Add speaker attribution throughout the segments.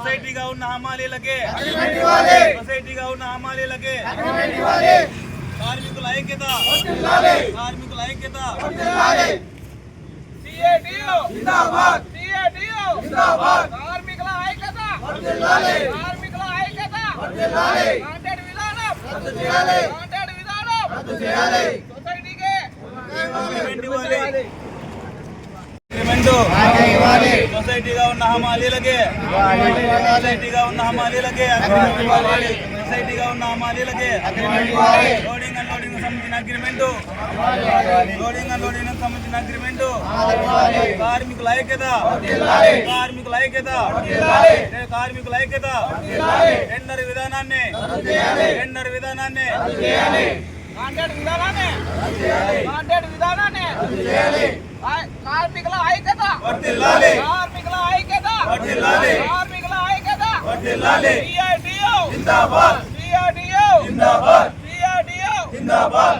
Speaker 1: సొసైటీగా ఉన్న హమాలీలకే సొసైటీగా ఉన్న హమాలీలకే కార్మికుల ఐక్యత కార్మికుల ఐక్యత సిఐటియు జిందాబాద్ సిఐటియు జిందాబాద్ కార్మికుల ఐక్యత వర్ధిల్లాలి కార్మికుల ఐక్యత వర్ధిల్లాలి కాంట్రాక్ట్ విధానం రద్దు చేయాలి కాంట్రాక్ట్ విధానం రద్దు చేయాలి సొసైటీకి అగ్రిమెంట్ ఇవ్వాలి సొసైటీగా ఉన్న హమాలీలకే సొసైటీగా ఉన్న హమాలీలకే సొసైటీగా ఉన్న హమాలీలకే లోడింగ్ అన్లోడింగ్ సంబంధించిన అగ్రిమెంటు లోడింగ్ అన్లోడింగ్ సంబంధించిన అగ్రిమెంటు కార్మికుల ఐక్యత కార్మికుల ఐక్యత కార్మికుల ఐక్యత టెండర్ విధానాన్ని కాంట్రాక్ట్ విధానాన్ని కార్మికుల ఐక్యత వర్ధిల్లాలి కార్మికుల ఐక్యత వర్ధిల్లాలి కార్మికుల ఐక్యత వర్ధిల్లాలి సిఐటియు జిందాబాద్ సిఐటియు జిందాబాద్ సిఐటియు జిందాబాద్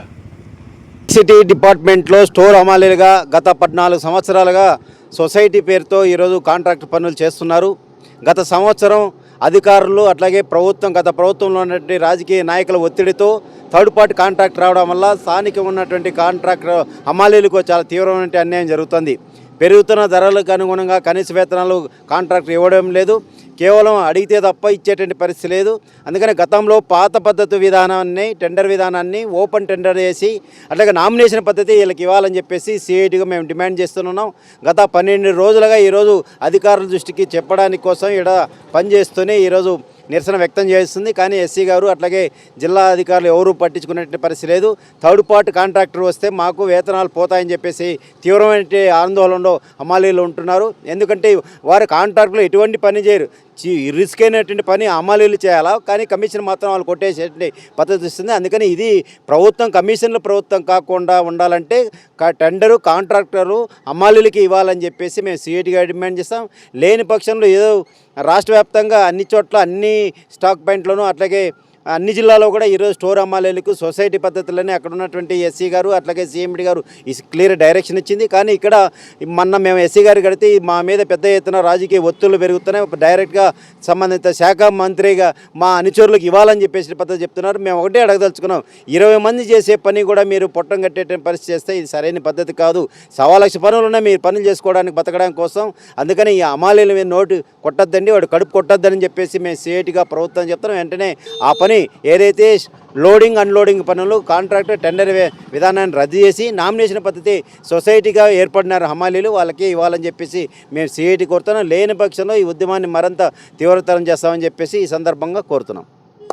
Speaker 2: సిటీ డిపార్ట్మెంట్లో స్టోర్ హమాలీలుగా గత 14 సంవత్సరాలుగా సొసైటీ పేరుతో ఈరోజు కాంట్రాక్ట్ పనులు చేస్తున్నారు. గత సంవత్సరం అధికారులు అట్లాగే గత ప్రభుత్వంలో ఉన్నటువంటి రాజకీయ నాయకుల ఒత్తిడితో థర్డ్ పార్టీ కాంట్రాక్ట్ రావడం వల్ల స్థానికంగా ఉన్నటువంటి కాంట్రాక్టర్ హమాలీలకు చాలా తీవ్రమైన అన్యాయం జరుగుతుంది. పెరుగుతున్న ధరలకు అనుగుణంగా కనీస వేతనాలు కాంట్రాక్టర్ ఇవ్వడం లేదు, కేవలం అడిగితే తప్ప ఇచ్చేటువంటి పరిస్థితి లేదు. అందుకని గతంలో పాత పద్ధతి విధానాన్ని టెండర్ విధానాన్ని ఓపెన్ టెండర్ చేసి అట్లాగే నామినేషన్ పద్ధతి వీళ్ళకి ఇవ్వాలని చెప్పేసి సిఐటిగా మేము డిమాండ్ చేస్తున్నాం. గత 12 రోజులుగా ఈరోజు అధికారుల దృష్టికి చెప్పడానికి కోసం ఇక్కడ పనిచేస్తూనే ఈరోజు నిరసన వ్యక్తం చేస్తుంది. కానీ ఎస్సీ గారు అట్లాగే జిల్లా అధికారులు ఎవరూ పట్టించుకునే పరిస్థితి లేదు. థర్డ్ పార్టీ కాంట్రాక్టర్ వస్తే మాకు వేతనాలు పోతాయని చెప్పేసి తీవ్రమైన ఆందోళనలో హమాలీలు ఉంటున్నారు. ఎందుకంటే వారి కాంట్రాక్టులు ఎటువంటి పని చేయరు, రిస్క్ అయినటువంటి పని హమాలీలు చేయాలా, కానీ కమిషన్ మాత్రం వాళ్ళు కొట్టేసేటువంటి పద్ధతి ఇస్తుంది. అందుకని ఇది కమిషన్ల ప్రభుత్వం కాకుండా ఉండాలంటే టెండరు కాంట్రాక్టరు హమాలీలకి ఇవ్వాలని చెప్పేసి మేము సిఐటిగా డిమాండ్ చేస్తాం. లేని పక్షంలో ఏదో రాష్ట్ర వ్యాప్తంగా అన్ని చోట్ల అన్ని స్టాక్ పాయింట్లను అట్లాగే అన్ని జిల్లాలో కూడా ఈరోజు స్టోర్ హమాలీలకు సొసైటీ పద్ధతులని అక్కడ ఉన్నటువంటి ఎస్సీ గారు అట్లాగే సీఎండి గారు క్లియర్ డైరెక్షన్ ఇచ్చింది. కానీ ఇక్కడ మేము ఎస్సీ గారు కడితే మా మీద పెద్ద ఎత్తున రాజకీయ ఒత్తిళ్లు పెరుగుతున్నాయి. డైరెక్ట్గా సంబంధిత శాఖ మంత్రిగా మా అనుచరులకు ఇవ్వాలని చెప్పేసి పద్ధతి చెప్తున్నారు. మేము ఒకటే అడగదలుచుకున్నాం, 20 మంది చేసే పని కూడా మీరు పొట్టం కట్టేట పరిస్థితి చేస్తే ఇది సరైన పద్ధతి కాదు. 1,00,000 పనులు ఉన్నాయి మీరు పనులు చేసుకోవడానికి బతకడానికి కోసం. అందుకని ఈ హమాలీల మీద నోటు కొట్టద్దండి, వాడు కడుపు కొట్టద్దని చెప్పేసి మేము సిఐటిగా ప్రభుత్వం చెప్తున్నాం. వెంటనే ఆ పని ఏదైతే లోడింగ్ అన్లోడింగ్ పనులు కాంట్రాక్టర్ టెండర్ విధానాన్ని రద్దు చేసి నామినేషన్ పద్ధతి సొసైటీగా ఏర్పడినారు హమాలీలు, వాళ్ళకి ఇవ్వాలని చెప్పేసి మేము సిఐటి కోరుతున్నాం. లేని పక్షంలో ఈ ఉద్యమాన్ని మరింత తీవ్రతరం చేస్తామని చెప్పేసి ఈ సందర్భంగా కోరుతున్నాం.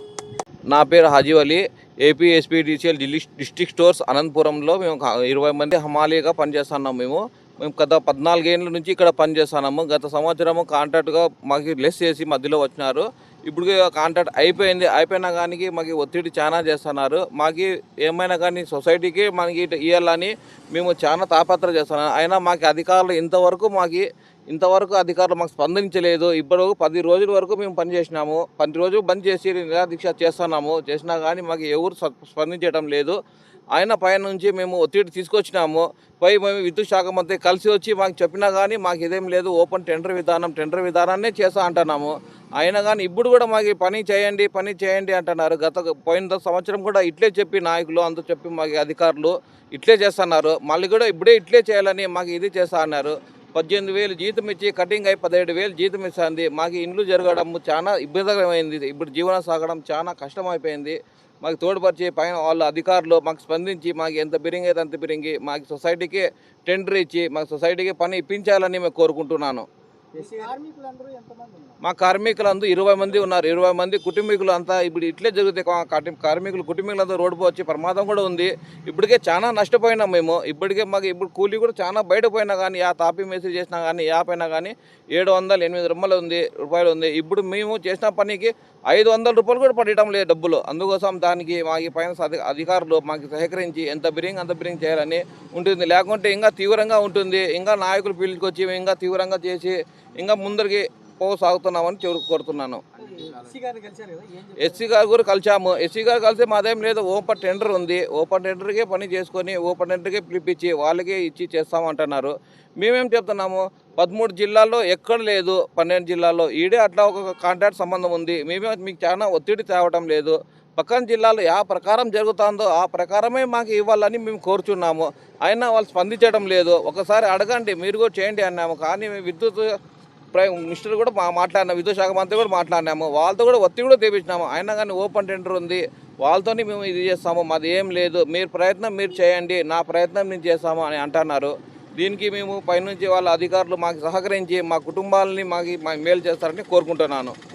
Speaker 3: నా పేరు Haji Ali, AP SPDCL district stores అనంతపురంలో మేము 20 మంది హమాలీగా పనిచేస్తున్నాం. మేము గత 14 ఏళ్ళ నుంచి ఇక్కడ పనిచేస్తున్నాము. గత సంవత్సరము కాంట్రాక్ట్గా మాకు లెస్ చేసి మధ్యలో వచ్చినారు. ఇప్పుడు కాంట్రాక్ట్ అయిపోయినా కానీ మాకు ఒత్తిడి చాలా చేస్తున్నారు. మాకు ఏమైనా కానీ సొసైటీకి మనకి ఇవ్వాలని మేము చాలా తాపత్ర చేస్తున్నాం. అయినా మాకు అధికారులు ఇంతవరకు అధికారులు మాకు స్పందించలేదు. ఇప్పుడు 10 రోజుల వరకు మేము పనిచేసినాము. 10 రోజులు బంద్ చేసి నిరాదీక్ష చేసినా కానీ మాకు ఎవరు స్పందించడం లేదు. ఆయన పైన నుంచి మేము ఒత్తిడి తీసుకొచ్చినాము. మేము విద్యుత్ శాఖ మంత్రి కలిసి వచ్చి మాకు చెప్పినా కానీ మాకు ఇదేం లేదు, ఓపెన్ టెండర్ విధానాన్నే చేస్తా అంటున్నాము. అయినా కానీ ఇప్పుడు కూడా మాకు పని చేయండి అంటున్నారు. పోయిన సంవత్సరం కూడా ఇట్లే చెప్పి నాయకులు అంతా చెప్పి మాకు అధికారులు ఇట్లే చేస్తున్నారు. మళ్ళీ కూడా ఇప్పుడే ఇట్లే చేయాలని మాకు ఇది చేస్తా అన్నారు. 18,000 జీతం ఇచ్చి కటింగ్ అయి 17,000 జీతం ఇస్తుంది. మాకు ఇండ్లు జరగడం చాలా ఇబ్బందికరమైంది. ఇప్పుడు జీవనం సాగడం చాలా కష్టమైపోయింది. మాకు తోడుపరిచి పైన వాళ్ళ అధికారులు మాకు స్పందించి మాకు ఎంత బిరింగ్ అయితే అంత బిరింగి మాకు సొసైటీకి టెండర్ ఇచ్చి మాకు సొసైటీకి పని ఇప్పించాలని మేము కోరుకుంటున్నాను. మా కార్మికులందరూ 20 మంది ఉన్నారు. 20 మంది కుటుంబీకులు అంతా ఇప్పుడు ఇట్లే జరుగుతాయి. కుటుంబీకులంతా రోడ్డు వచ్చి ప్రమాదం కూడా ఉంది. ఇప్పటికే చాలా నష్టపోయినాం మేము. మాకు ఇప్పుడు కూలీ కూడా చాలా బయటపోయినా కానీ తాపీ మేస్త్రి చేసినా కానీ యాపైనా కానీ 700-800 రూపాయలు ఉంది. ఇప్పుడు మేము చేసిన పనికి 500 రూపాయలు కూడా పడటం లేదు డబ్బులు. అందుకోసం దానికి మాకు పైన అధికారులు మాకు సహకరించి ఎంత బిరింగ్ చేయాలని ఉంటుంది. లేకుంటే ఇంకా తీవ్రంగా ఉంటుంది. ఇంకా నాయకులు పిలుచుకొచ్చి ఇంకా తీవ్రంగా చేసి ఇంకా ముందరికి సాగుతున్నామని కోరుతున్నాను. ఎస్సీ గారు కూడా కలిసాము. ఎస్సీ గారు కలిసి మాదేం లేదు, ఓపెన్ టెండర్ ఉంది, ఓపెన్ టెండర్కే పని చేసుకొని ఓపెన్ టెండర్కే పిలిపించి వాళ్ళకే ఇచ్చి చేస్తామంటున్నారు. మేమేం చెప్తున్నాము, 13 జిల్లాల్లో ఎక్కడ లేదు, 12 జిల్లాల్లో ఈడే అట్లా ఒక కాంట్రాక్ట్ సంబంధం ఉంది. మేమే మీకు చాలా ఒత్తిడి తేవటం లేదు. పక్కన జిల్లాలో ఆ ప్రకారం జరుగుతుందో ఆ ప్రకారమే మాకు ఇవ్వాలని మేము కోరుచున్నాము. అయినా వాళ్ళు స్పందించడం లేదు. ఒకసారి అడగండి, మీరు కూడా చేయండి అన్నాము. కానీ విద్యుత్ మినిస్టర్ కూడా మాట్లాడినాము, విద్యుత్ శాఖ మంత్రి కూడా మాట్లాడినాము. వాళ్ళతో కూడా ఒత్తిడి కూడా తెప్పించినాము. అయినా కానీ ఓపెన్ టెండర్ ఉంది, వాళ్ళతోనే మేము ఇది చేస్తాము, మాది ఏం లేదు, మీరు ప్రయత్నం మీరు చేయండి, నా ప్రయత్నం నేను చేస్తాము అని అంటున్నారు. దీనికి మేము పైనుంచి వాళ్ళ అధికారులు మాకు సహకరించి మా కుటుంబాలని మాకు మేలు చేస్తారని కోరుకుంటున్నాను.